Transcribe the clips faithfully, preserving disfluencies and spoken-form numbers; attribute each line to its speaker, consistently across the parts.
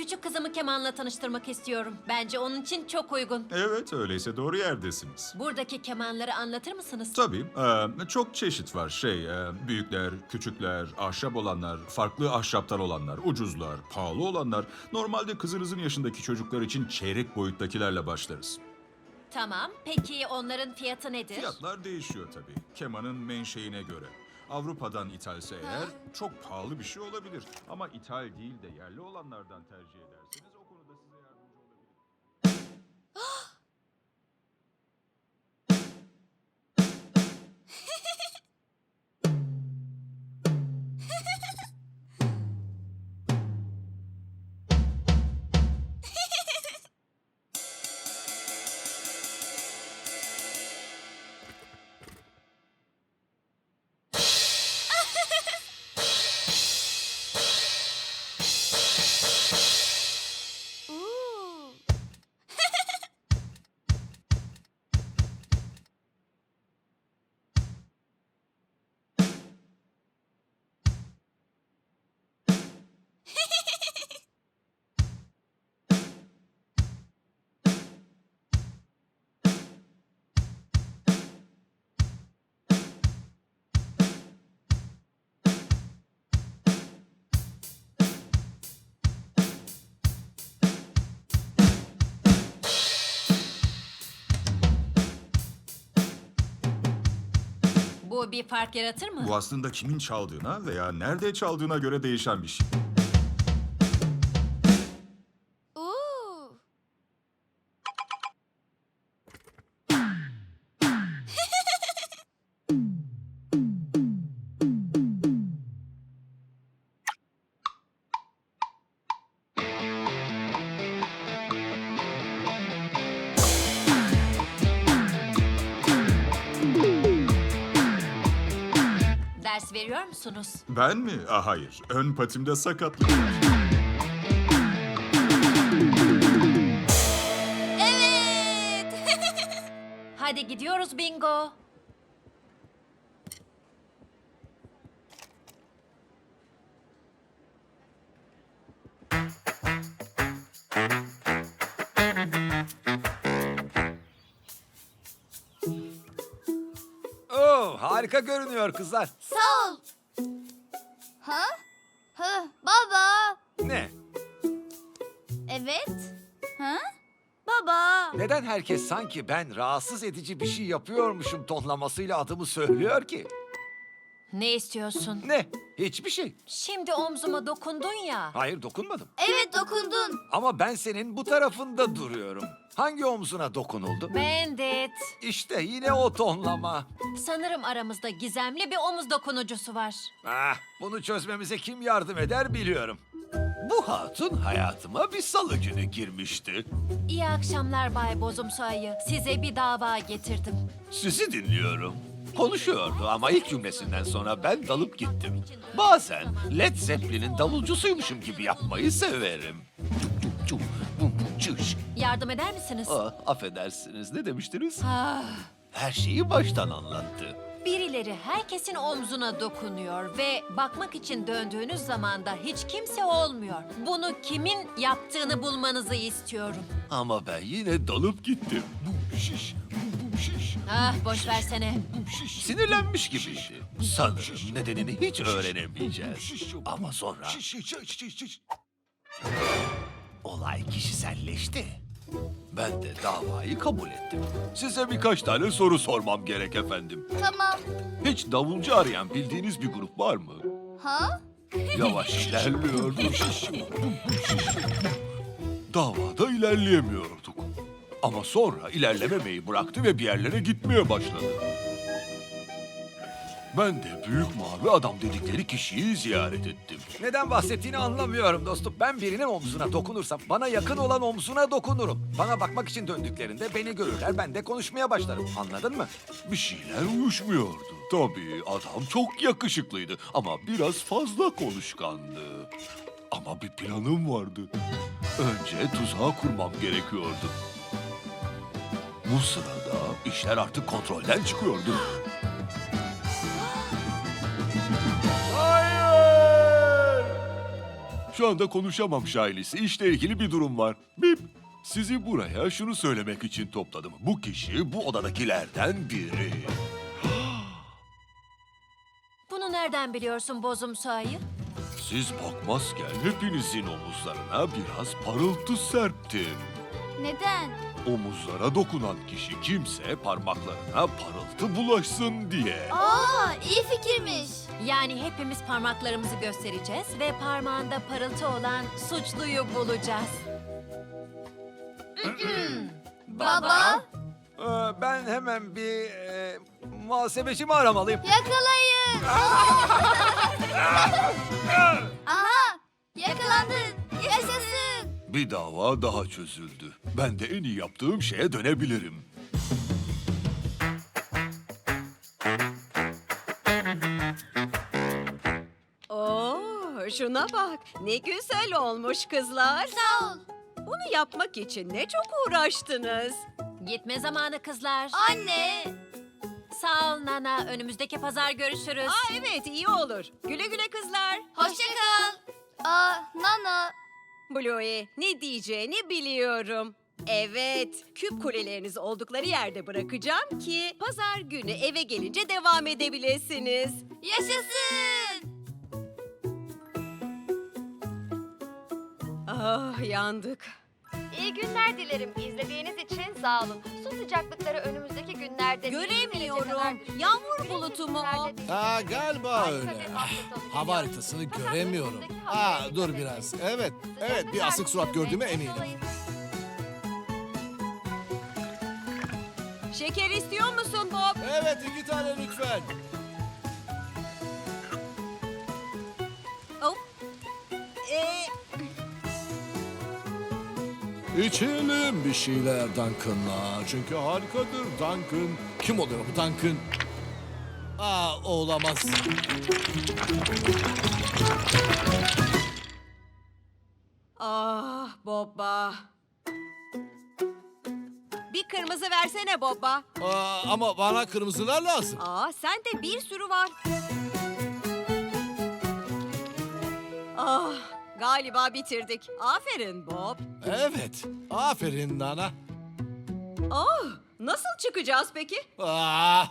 Speaker 1: Küçük kızımı kemanla tanıştırmak istiyorum. Bence onun için çok uygun.
Speaker 2: Evet, öyleyse doğru yerdesiniz.
Speaker 1: Buradaki kemanları anlatır mısınız?
Speaker 2: Tabii, e, çok çeşit var. Şey, e, büyükler, küçükler, ahşap olanlar, farklı ahşaptan olanlar, ucuzlar, pahalı olanlar. Normalde kızınızın yaşındaki çocuklar için çeyrek boyuttakilerle başlarız.
Speaker 1: Tamam. Peki onların fiyatı nedir?
Speaker 2: Fiyatlar değişiyor tabii, kemanın menşeine göre. Avrupa'dan ithalse eğer çok pahalı bir şey olabilir. Ama ithal değil de yerli olanlardan tercih ederseniz o konuda size yardımcı olabilirim.
Speaker 3: Oo.
Speaker 1: Bu bir fark yaratır mı?
Speaker 2: Bu aslında kimin çaldığına veya nerede çaldığına göre değişen bir şey.
Speaker 3: Oo.
Speaker 1: Ders veriyor musunuz?
Speaker 2: Ben mi? Ah, hayır. Ön patimde sakatlık var.
Speaker 3: Evet.
Speaker 1: Hadi gidiyoruz bingo.
Speaker 4: Oo, harika görünüyor kızlar.
Speaker 3: Sağ ol. Ha? Ha, baba.
Speaker 4: Ne?
Speaker 3: Evet. Ha? Baba.
Speaker 4: Neden herkes sanki ben rahatsız edici bir şey yapıyormuşum tonlamasıyla adımı söylüyor ki?
Speaker 1: Ne istiyorsun?
Speaker 4: Ne? Hiçbir şey.
Speaker 1: Şimdi omzuma dokundun ya.
Speaker 4: Hayır, dokunmadım.
Speaker 3: Evet, dokundun.
Speaker 4: Ama ben senin bu tarafında duruyorum. Hangi omzuna dokunuldu?
Speaker 1: Bandit.
Speaker 4: İşte yine o tonlama.
Speaker 1: Sanırım aramızda gizemli bir omuz dokunucusu var.
Speaker 4: Ah, bunu çözmemize kim yardım eder biliyorum. Bu hatun hayatıma bir salı günü girmişti.
Speaker 1: İyi akşamlar Bay Bozumsu Ayı. Size bir dava getirdim.
Speaker 4: Sizi dinliyorum. Konuşuyordu ama ilk cümlesinden sonra ben dalıp gittim. Bazen Led Zeppelin'in davulcusuymuşum gibi yapmayı severim. Cuk, cuk, bum, bum, çış.
Speaker 1: Yardım eder misiniz?
Speaker 4: Ah, affedersiniz, ne demiştiniz?
Speaker 1: Ah,
Speaker 4: Her şeyi baştan anlattı.
Speaker 1: birileri herkesin omzuna dokunuyor ve bakmak için döndüğünüz zaman da hiç kimse olmuyor. Bunu kimin yaptığını bulmanızı istiyorum.
Speaker 4: Ama ben yine dalıp gittim. Bum, şiş, bum, bum, şiş.
Speaker 1: Ah, boş versene.
Speaker 4: Sinirlenmiş gibiydi. Sanırım nedenini hiç öğrenemeyeceğiz. Ama sonra olay kişiselleşti. Ben de davayı kabul ettim. Size birkaç tane soru sormam gerek efendim.
Speaker 3: Tamam.
Speaker 4: Hiç davulcu arayan bildiğiniz bir grup var mı?
Speaker 3: Ha?
Speaker 4: Yavaş ilerliyordu. Davada ilerleyemiyorduk. Ama sonra ilerlememeyi bıraktı ve bir yerlere gitmeye başladı. Ben de büyük mavi adam dedikleri kişiyi ziyaret ettim. Neden bahsettiğini anlamıyorum dostum. Ben birinin omzuna dokunursam bana yakın olan omzuna dokunurum. Bana bakmak için döndüklerinde beni görürler, ben de konuşmaya başlarım. Anladın mı? Bir şeyler uyuşmuyordu. Tabii adam çok yakışıklıydı ama biraz fazla konuşkandı. Ama bir planım vardı. Önce tuzağı kurmam gerekiyordu. Bu sırada işler artık kontrolden çıkıyordu. Hayır!
Speaker 5: Şu anda konuşamam Şailisi. İşle ilgili bir durum var. Bip. Sizi buraya şunu söylemek için topladım. Bu kişi bu odadakilerden biri.
Speaker 1: Bunu nereden biliyorsun bozumsu ayı?
Speaker 5: Siz bakmazken hepinizin omuzlarına biraz parıltı serptim.
Speaker 3: Neden?
Speaker 5: Omuzlara dokunan kişi kimse parmaklarına parıltı bulaşsın diye.
Speaker 3: Aa, iyi fikirmiş.
Speaker 1: Yani hepimiz parmaklarımızı göstereceğiz ve parmağında parıltı olan suçluyu bulacağız.
Speaker 3: Baba,
Speaker 4: Ee, ben hemen bir e, muhasebecimi aramalıyım.
Speaker 3: yakalayın. Aha, yakalandın. Yaşasın.
Speaker 5: Bir dava daha çözüldü. Ben de en iyi yaptığım şeye dönebilirim.
Speaker 6: Oo, şuna bak. Ne güzel olmuş kızlar.
Speaker 3: Sağ ol.
Speaker 6: Bunu yapmak için ne çok uğraştınız.
Speaker 1: Gitme zamanı kızlar.
Speaker 3: Anne.
Speaker 1: Sağ ol Nana. Önümüzdeki pazar görüşürüz.
Speaker 6: Aa evet iyi olur. Güle güle kızlar.
Speaker 3: Hoşça kal. Aa, Nana.
Speaker 6: Bluey, ne diyeceğini biliyorum. Evet, küp kulelerinizi oldukları yerde bırakacağım ki pazar günü eve gelince devam edebilirsiniz.
Speaker 3: Yaşasın.
Speaker 6: Ah yandık.
Speaker 7: İyi günler dilerim. İzlediğiniz için sağ olun. Su sıcaklıkları önümüzdeki günlerde...
Speaker 6: Göremiyorum. Yağmur bulutu mu o?
Speaker 8: Aa, galiba öyle. Hava haritasını göremiyorum. Aa, dur biraz. Evet, evet bir asık surat gördüğüme eminim.
Speaker 6: Şeker istiyor musun Bob?
Speaker 8: Evet, iki tane lütfen.
Speaker 6: Oh. Ee,
Speaker 8: İçelim bir şeyler Duncan'la. Çünkü harikadır Duncan. Kim oluyor bu Duncan? Aa, o olamaz.
Speaker 6: ah Bobba. Bir kırmızı versene Bobba.
Speaker 8: Aa, ama bana kırmızılar lazım.
Speaker 6: Aa sende bir sürü var. Ah galiba bitirdik. Aferin Bob.
Speaker 8: Evet, aferin Nana.
Speaker 6: Ah nasıl çıkacağız peki?
Speaker 8: Aa.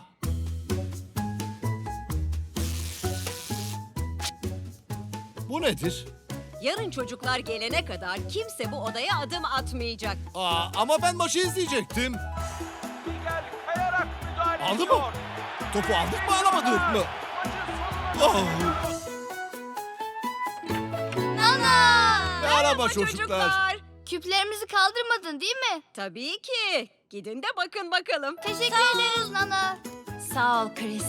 Speaker 8: Bu nedir?
Speaker 6: Yarın çocuklar gelene kadar kimse bu odaya adım atmayacak.
Speaker 8: Aa, ama ben maçı izleyecektim. Aldı mı? Topu aldık mı alamadık mı? Oh.
Speaker 3: Nana.
Speaker 8: Merhaba çocuklar.
Speaker 3: Küplerimizi kaldırmadın değil mi?
Speaker 6: Tabii ki. Gidin de bakın bakalım.
Speaker 3: Teşekkür ederiz Nana.
Speaker 1: Sağ ol Chris.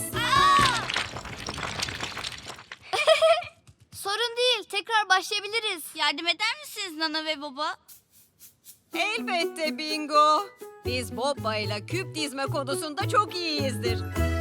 Speaker 3: Sorun değil. Tekrar başlayabiliriz. Yardım eder misiniz Nana ve baba?
Speaker 6: Elbette Bingo. Biz Bobba ile küp dizme konusunda çok iyiyizdir.